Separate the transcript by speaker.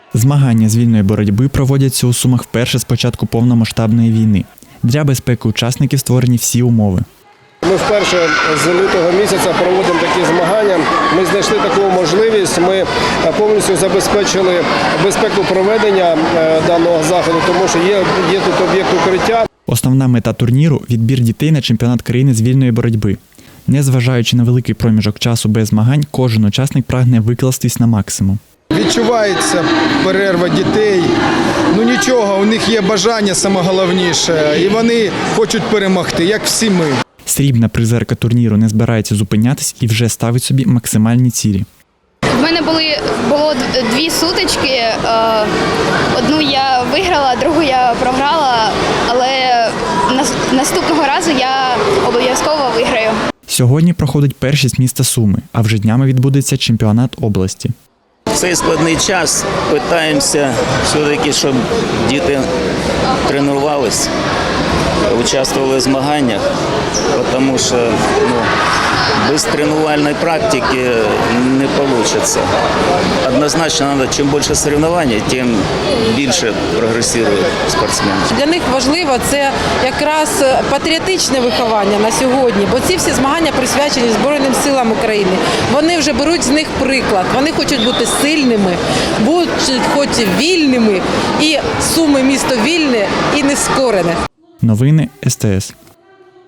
Speaker 1: Змагання з вільної боротьби проводяться у Сумах вперше з початку повномасштабної війни. Для безпеки учасників створені всі умови.
Speaker 2: Ми вперше з лютого місяця проводимо такі змагання. Ми знайшли таку можливість, ми повністю забезпечили безпеку проведення даного заходу, тому що є тут об'єкт укриття.
Speaker 1: Основна мета турніру – відбір дітей на чемпіонат країни з вільної боротьби. Незважаючи на великий проміжок часу без змагань, кожен учасник прагне викластись на максимум.
Speaker 3: Відчувається перерва дітей. Ну нічого, у них є бажання, саме головніше, і вони хочуть перемогти, як всі ми.
Speaker 1: Срібна призерка турніру не збирається зупинятись і вже ставить собі максимальні цілі.
Speaker 4: В мене було дві сутички. Одну я виграла, другу я програла, але наступного разу я обов'язково виграю.
Speaker 1: Сьогодні проходить першість міста Суми, а вже днями відбудеться чемпіонат області.
Speaker 5: В цей складний час намагаємося все-таки, щоб діти тренувалися, участвували в змаганнях, тому що без тренувальної практики не вийде. Однозначно, треба, чим більше соревновань, тим більше прогресує спортсмен.
Speaker 6: Для них важливо це якраз патріотичне виховання на сьогодні, бо ці всі змагання присвячені Збройним силам України. Вони вже беруть з них приклад, вони хочуть бути сильними, будуть хоч вільними, і Суми – місто вільне і нескорене.
Speaker 1: Новини СТС.